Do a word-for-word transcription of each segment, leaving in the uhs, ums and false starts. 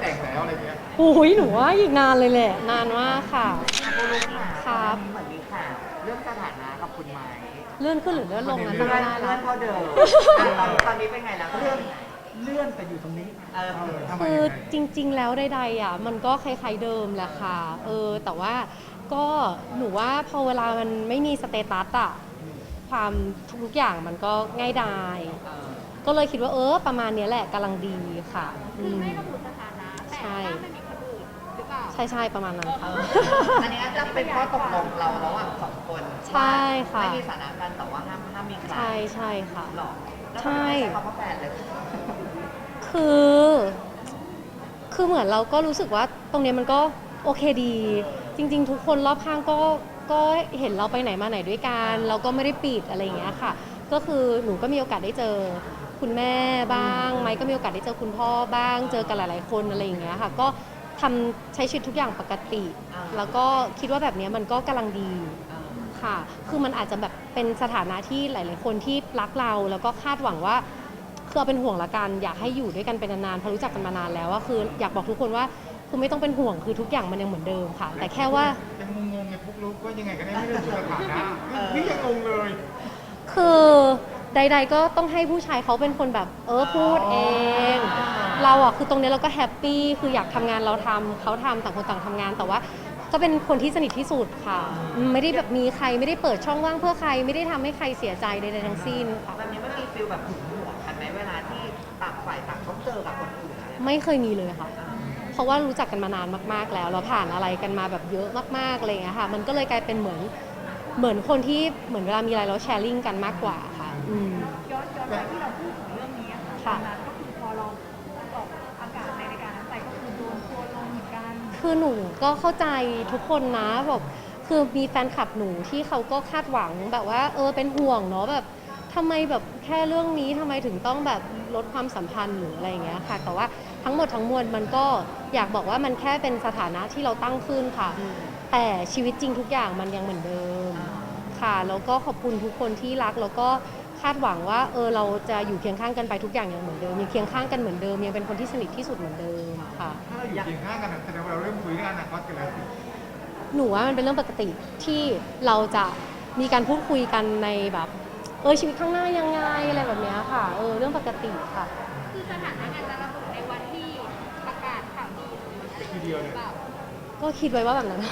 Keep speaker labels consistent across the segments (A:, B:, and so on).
A: แต่งแล้วอะไรเงี้ย
B: โอ้ยหนูว่าอีกนานเลยแหละนานมากค่ะ
C: คุณลุงค่ะ
B: ครับ
C: เหมือนมีข่าวเรื่องสถานะกับคุณไม้
B: เลื่อนขึ้นหรือเลื่อนลงนะ
C: เลื่
B: จำไม่
C: อน
B: ได้
C: เลื่
B: แล้
C: อ
B: วน
C: เท่าเดิมตอนตอนนี้เป็นไงแล้วเลื่อนเลื่อนไปอยู่ตรงนี้เออ
B: คือจริงๆแล้วใดๆอ่ะมันก็คล้ายๆเดิมแหละค่ะเออแต่ว่าก็หนูว่าพอเวลามันไม่มีสเตตัสอ่ะความทุกๆอย่างมันก็ง่ายดายก็เลยคิดว่าเออประมาณนี้แหละกำลังดีค่ะคือไม่ระบุสถานะแต่ถ้าไม่มีคนอื่นหรือเปล่าใช่ใช่ประมาณนั้นค่ะ
C: อันนี้จะเป็นข้อตกลงเราระหว่างสองคน
B: ใช่ค่ะ
C: ไม่มีสถานะกันแต่ว่าห้ามห้ามมีใคร
B: ใช่ใช่ค่ะ
C: หรอแล้ว
B: ใช่
C: ทำไมไม่ใช้คำว่าแฟนเลย
B: คือ คือเหมือนเราก็รู้สึกว่าตรงเนี้ยมันก็โอเคดี จริงๆ ทุกคนรอบข้างก็ก็เห็นเราไปไหนมาไหนด้วยกันเราก็ไม่ได้ปิดอะไรอย่างเงี้ยค่ะ ก็คือหนูก็มีโอกาสได้เจอคุณแม่บ้างไมค์ก็มีโอกาสได้เจอคุณพ่อบ้าง เจอกันหลายๆคนอะไรอย่างเงี้ยค่ะ ก็ทำใช้ชีวิตทุกอย่างปกติ แล้วก็คิดว่าแบบเนี้ยมันก็กำลังดีค่ะ คือมันอาจจะแบบเป็นสถานะที่หลายๆคนที่รักเราแล้วก็คาดหวังว่า คือเอาเป็นห่วงละกันอยากให้อยู่ด้วยกันเป็นนานๆเพราะรู้จักกันมานานแล้วว่าคืออยากบอกทุกคนว่าคือไม่ต้องเป็นห่วงคือทุกอย่างมันยังเหมือนเดิมค่ะ แต่แค่ว่า
A: ยังงงๆไงพวกรู้ว่ายังไงกันแน่ไม่รู้สถานะนี่ยังงงเลย
B: คือใดๆก็ต้องให้ผู้ชายเขาเป็นคนแบบเออพูดเอง เราอ่ะคือตรงนี้เราก็แฮปปี้คืออยากทำงานเราทำเขาทำต่างคนต่างทำงานแต่ว่าก็เป็นคนที่สนิทที่สุดค่ะไม่ได้แบบมีใครไม่ได้เปิดช่องว่างเพื่อใครไม่ได้ทำให้ใครเสียใจใดๆทั้งสิ้นค่ะ
C: แบบนี้มันมีฟีลแบบหึงหวงกันไหมเวลาที่ต่างฝ่ายต่างต้องเจอกับคนอื่นอะไร
B: ไม่เคยมีเลยค่ะเพราะว่ารู้จักกันมานานมากๆแล้วเราผ่านอะไรกันมาแบบเยอะมากๆอะไรอย่างเงี้ยค่ะมันก็เลยกลายเป็นเหมือนเหมือนคนที่เหมือนเวลามีอะไรเราแชร์ลิงกันมากกว่าค่ะอืม
D: ย้อนย้อนไปที่เราพูดถึงเรื่องนี้ค่ะตอนนั้นก็คือพอเราออกอากาศในรายการนั้นไปก็คือโดนทัวร์ลงเหมือนกัน
B: คือหนูก็เข้าใจทุกคนนะแบบคือมีแฟนคลับหนูที่เขาก็คาดหวังแบบว่าเออเป็นห่วงเนาะแบบทำไมแบบแค่เรื่องนี้ทำไมถึงต้องแบบลดความสัมพันธ์หรืออะไรอย่างเงี้ยค่ะแต่ว่าทั้งหมดทั้งมวลมันก็อยากบอกว่ามันแค่เป็นสถานะที่เราตั้งขึ้นค่ะแต่ชีวิตจริงทุกอย่างมันยังเหมือนเดิมค่ะแล้วก็ขอบคุณทุกคนที่รักแล้วก็คาดหวังว่าเออเราจะอยู่เคียงข้างกันไปทุกอย่างยังเหมือนเดิมยังเคียงข้างกันเหมือนเดิมยังเป็นคนที่สนิทที่สุดเหมือนเดิมค่ะ
A: ถ้าเราอยู่เคียงข้างกันแสดงว่าเราเริ่มคุยเรื่องอนาคตกันแล้วสิ
B: หนูว่ามันเป็นเรื่องปกติที่เราจะมีการพูดคุยกันในแบบเออชีวิตข้างหน้ายังไงอะไรแบบนี้ค่ะเออเรื่องปกติค่ะ
D: คือสถานะอาจจะระบุในวันที่ประกาศข่าวดีหรืออะไร
A: ทีเดียวเลย
B: ก็คิดไว้ว่าแบบนั้น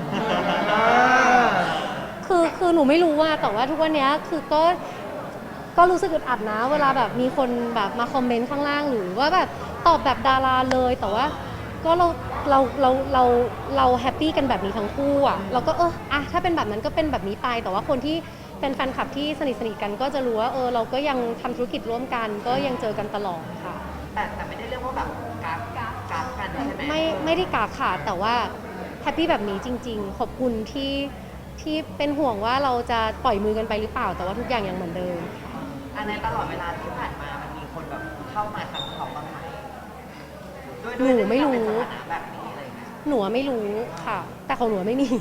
B: คือคือหนูไม่รู้ว่าแต่ว่าทุกวันนี้คือก็ก็รู้สึกอึดอัดนะเวลาแบบมีคนแบบมาคอมเมนต์ข้างล่างหรือว่าแบบตอบแบบดาราเลยแต่ว่าก็เราเราเราเราเราแฮปปี้กันแบบนี้ทั้งคู่อ่ะเราก็เอออะถ้าเป็นแบบนั้นก็เป็นแบบนี้ไปแต่ว่าคนที่เป็นแฟนคลับที่สนิทสนิทกันก็จะรู้ว่าเออเราก็ยังทำธุรกิจร่วมกันก็ยังเจอกันตลอดค่ะ
C: แต่แต่ไม่ได้เรียกว่าแบบการการการกันใช่ไหม
B: ไม่ไม่ได้กาขาดแต่ว่าแฮปปี้แบบนี้จริงๆขอบคุณที่ที่เป็นห่วงว่าเราจะปล่อยมือกันไปหรือเปล่าแต่ว่าทุกอย่างยังเหมือนเดิม
C: อันในตลอดเวลาที่ผ่านมามันมีคนแบบเข้ามาทำเขาบ้างไหม
B: หนูไม่รู้
C: แบบนี้อะไรเงี้ย
B: หนูไม่รู้ค่ะ แต่ของหนูไม่มี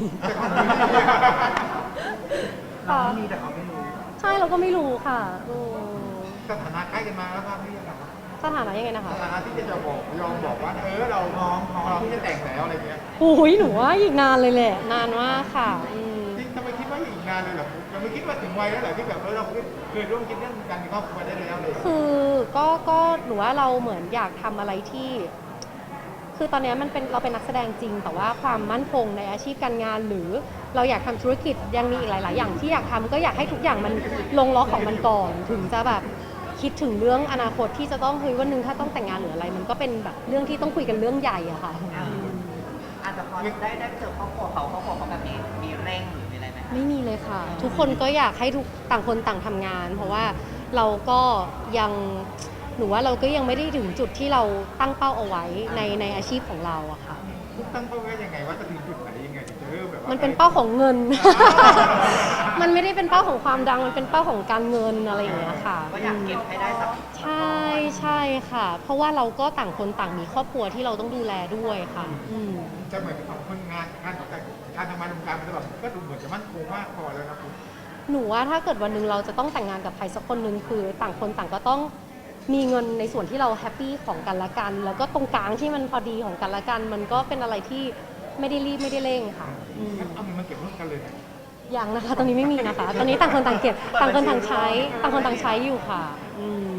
C: เราไม่มีแต่เขาไม่รู้
B: ใช่เราก็ไม่รู้ค่ะ
A: สถานะใกล้กันมาแล้วครับพี่ยังไง
B: สถานะยังไงนะคะ
A: สถานะที่จะบอกยอมบอกว่าเออเราน้องของเราที่จะแต่งแล้วอะไรเงี้ย
B: โอ้ยหนูว่าอีกนานเลยแหละนานมากค่ะ
A: จริงทำไมคิดว่าอีกนานเลยเหรอเราไม่คิดว่าถึงวัยแล้วเหรอที่แบบเออเราเคยร่วมคิดเรื่องการมีครอบครัวได้แล้วเลย
B: คือก็ก็หนูว่าเราเหมือนอยากทำอะไรที่คือตอนนี้มันเป็นเราเป็นนักแสดงจริงแต่ว่าความมั่นคงในอาชีพการงานหรือเราอยากทำธุรกิจยังมีอีกหลายๆอย่างที่อยากทำก็อยากให้ทุกอย่างมันลงล็อกของมันก่อนถึงจะแบบคิดถึงเรื่องอนาคตที่จะต้องเฮ้ยวันหนึ่งถ้าต้องแต่งงานหรืออะไรมันก็เป็นแบบเรื่องที่ต้องคุยกันเรื่องใหญ่อะค่ะ
C: อาจจะพอได้ได้เจอครอบครัวเขาครอบครัวเขาแบบนี้มีเร่งหรือมีอะไรไหม
B: ไม่มีเลยค่ะทุกคนก็อยากให้ทุกต่างคนต่างทำงานเพราะว่าเราก็ยังหนูว่าเราก็ยังไม่ได้ถึงจุดที่เราตั้งเป้าเอาไว้ในในอาชีพของเราอะค่ะ
A: ตั้งเป้าไว้ยังไงว่าจะถึงจุดไหนยังไงถึงจะเริ่มแบบว่า
B: มันเป็นเป้าของเงิน มันไม่ได้เป็นเป้าของความดังมันเป็นเป้าของการเงินอะไรอย่างเงี้ยค่ะ
C: ก็อยากเก็บให้ได้สัก
B: ใช่ใช่ค่ะ เพราะว่าเราก็ต่างคนต่างมีครอบครัวที่เราต้องดูแลด้วยค่ะอืม
A: จะเหมือนกับคนงานงานแต่การทำงานวงการมันจะแบบก็ดูเหมือนจะมั่นคงมากพอแล้วนะคุณ
B: หนูว่าถ้าเกิดวันหนึ่งเราจะต้องแต่งงานกับใครสักคนหนึ่งคือต่างคนต่างก็ต้องมีเงินในส่วนที่เราแฮปปี้ของกันและกัน แล้วก็ตรงกลางที่มันพอดีของกันและกัน มันก็เป็นอะไรที่ไม่ได้รีบไม่ได้เร่งค่ะอืม
A: เอาเงินมาเก็บร่วมกันเลยนะ
B: ยังนะคะ ตอนนี้ไม่มีนะคะ ตอนนี้ต่างคนต่างเก็บต่างคนต่างใช้ต่างคนต่างใช้อยู่ค่ะอืม